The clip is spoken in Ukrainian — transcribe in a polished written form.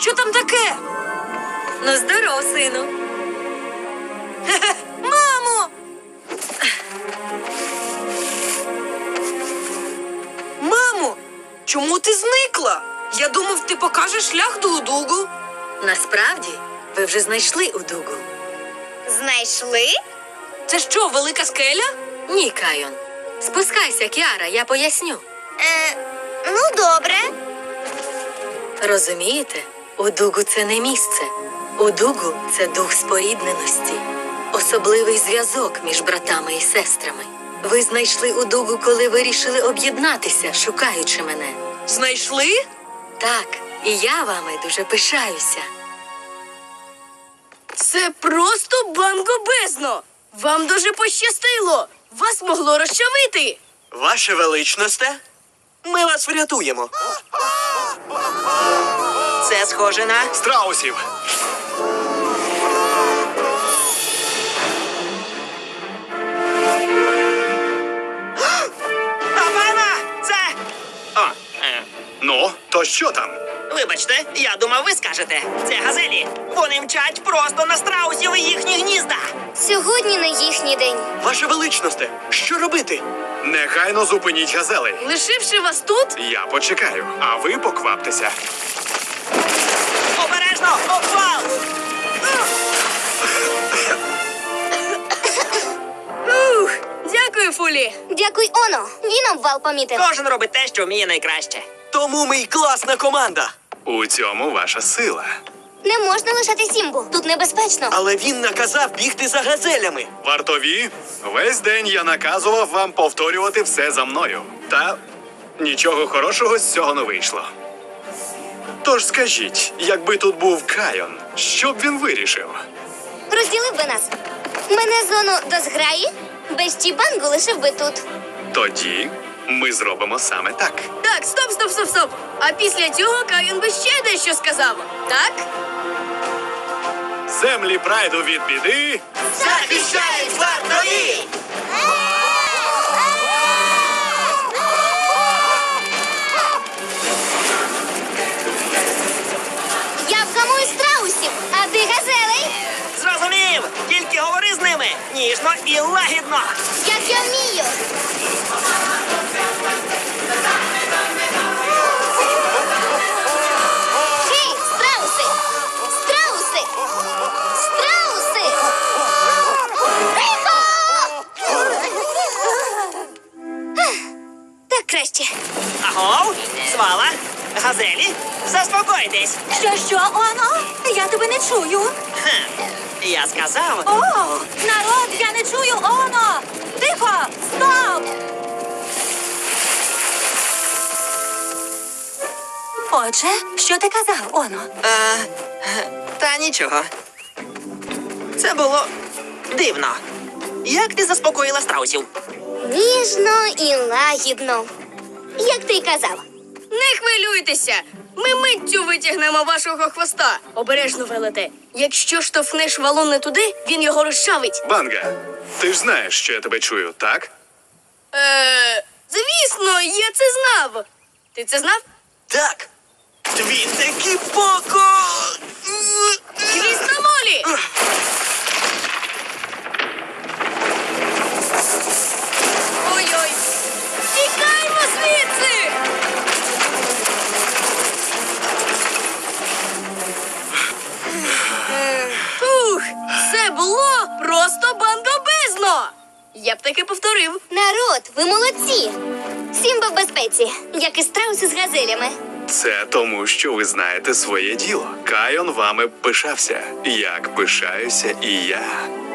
Що там таке? Ну, здоров, сину. Мамо! Мамо, чому ти зникла? Я думав, ти покажеш шлях до Удугу. Насправді, ви вже знайшли Удугу. Знайшли? Це що, велика скеля? Ні, Кайон. Спускайся, Кіара, я поясню. Ну, добре. Розумієте, Удугу – це не місце. Удугу – це дух спорідненості. Особливий зв'язок між братами і сестрами. Ви знайшли Удугу, коли вирішили об'єднатися, шукаючи мене. Знайшли? Так, і я вами дуже пишаюся. Це просто бангобезно! Вам дуже пощастило! Вас могло розчавити! Ваше величносте, ми вас врятуємо. Це схоже на... Страусів! Папана! Це... Ну, то що там? Вибачте, я думав, ви скажете. Це газелі. Вони мчать просто на страусів і їхні гнізда. Сьогодні не їхній день. Ваше величносте, що робити? Негайно зупиніть газелей. Лишивши вас тут, Я почекаю, а ви покваптеся. Обережно! Обвал! дякую, Фулі. Дякуй, Оно. Він обвал помітив. Кожен робить те, що вміє найкраще. Тому ми й класна команда. У цьому ваша сила. Не можна лишати Сімбу. Тут небезпечно. Але він наказав бігти за газелями. Вартові, весь день я наказував вам повторювати все за мною. Та нічого хорошого з цього не вийшло. Тож скажіть, якби тут був Кайон, що б він вирішив? Розділив би нас. Мене зону до зграї. Без Чібангу лишив би тут. Тоді ми зробимо саме так. Так, стоп. А після цього Кайон би ще дещо сказав. Так? Землі прайду від біди. Захищають вартові! Я вгамую страусів, а ти газелей, Зрозумів! Тільки говори з ними ніжно і лагідно. як я вмію. Гей, страуси! Страуси! Страуси! Тихо! Так краще. Агов, свала, газелі, заспокойтесь. Що, Оно? Я тебе не чую. Хм, я сказав, О, народ, я не чую Оно! Тихо! Стоп! Отже, що ти казав, Оно? та нічого. Це було дивно. Як ти заспокоїла страусів? Ніжно і лагідно. Як ти й казав. Не хвилюйтеся. Ми миттю витягнемо вашого хвоста. Обережно, велете. Якщо штовхнеш валун не туди, він його розчавить. Банга, ти ж знаєш, що я тебе чую, так? Звісно, я це знав. Ти це знав? Так. Він таки поко. Хвіст на молі! Ой-ой! Тікаймо звідси! Фух, це було просто бандобезно! Я б таки повторив. Народ, ви молодці. Сімба в безпеці, як і страуси з газелями. Це тому, що ви знаєте своє діло. Кайон вами пишався, як пишаюся і я.